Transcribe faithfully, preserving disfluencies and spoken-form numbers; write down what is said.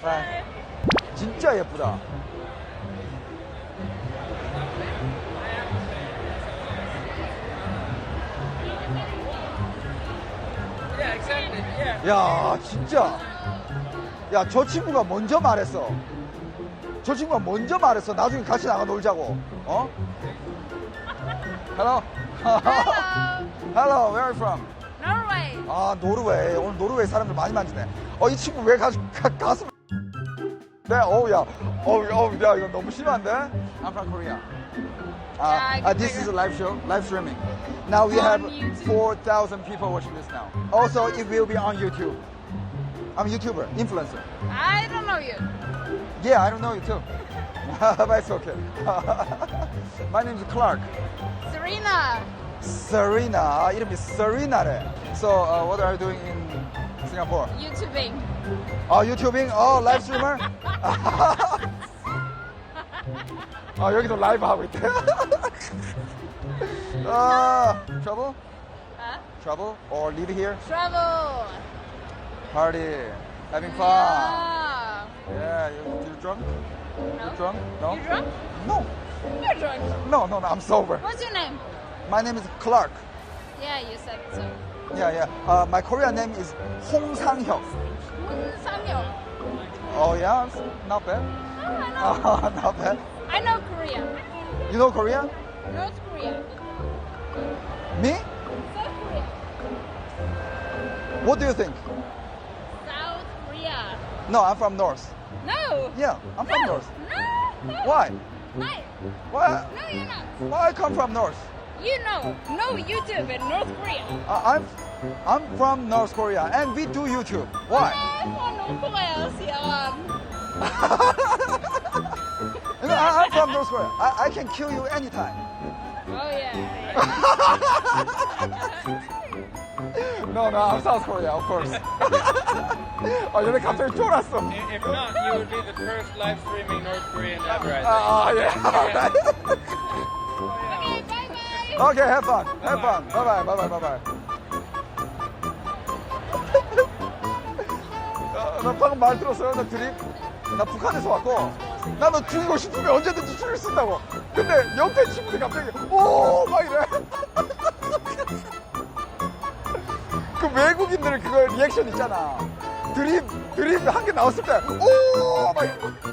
Bye. 진짜 예쁘다. Yeah, exactly. Yeah. 야, 진짜. 야, 저 친구가 먼저 말했어. 저 친구가 먼저 말했어. 나중에 같이 나가 놀자고. 어? Hello. Hello. Hello. Where are you from? Norway. 아, 노르웨이. 오늘 노르웨이 사람들 많이 만지네. 어, 이 친구 왜 가, 가, 가슴. 네, 어우, 야. 어우, 어우, 야, 이거 너무 심한데? I'm from Korea. Uh, Yeah, I uh, can this figure. is a live show, live streaming. Now we On have YouTube. four thousand people watching this now. Also, it will be on YouTube. I'm a YouTuber, influencer. I don't know you. Yeah, I don't know you too. But it's okay. My name is Clark. Serena. Serena. 아, 이름이 Serena래. So, uh, what are you doing in Singapore? YouTubing. 아, YouTubing? 어, live streamer? 아, 여기도 라이브 하고 있대. 아, trouble? Huh? Trouble? Or live here? Travel. Party. Having fun. Yeah. Yeah, you, you drunk? No. You drunk? No? You drunk? No. You're drunk. No, no, no, I'm sober. What's your name? My name is Clark. Yeah, you said so. Yeah, yeah. Uh, my Korean name is Hong Sang-hyuk. Samyo. Oh, yeah? Not bad. Oh, I know. Uh, not bad. I know Korea. You know Korean? North Korea. Me? South Korea. What do you think? South Korea. No, I'm from North. No. Yeah, I'm from No. North. No. No. Why? Why? Why? No, you're not. Why I come from North? You know. No YouTube in North Korea. Uh, I'm I'm from North Korea and we do YouTube. Why? I'm from North Korea, sialan. You know, I, I'm from North Korea. I, I can kill you anytime. Oh yeah. No, no, I'm South Korea, of course. 아, 얘네 갑자기 쫄았어. If not, you would be the first live streaming North Korean ever, I think. 아, 예. Okay, bye bye. Okay, have fun. Have fun. Bye bye. Bye bye. Bye bye. 나 방금 말 들었어요. 나 드립. 나 북한에서 왔고. 나 너 죽이고 싶으면 언제든지 죽일 수 있다고. 근데 옆에 친구들이 갑자기 오! 막 이래. 그 외국인들 그거 리액션 있잖아. 드립, 드립 한 개 나왔을 때 오! 막 이러고.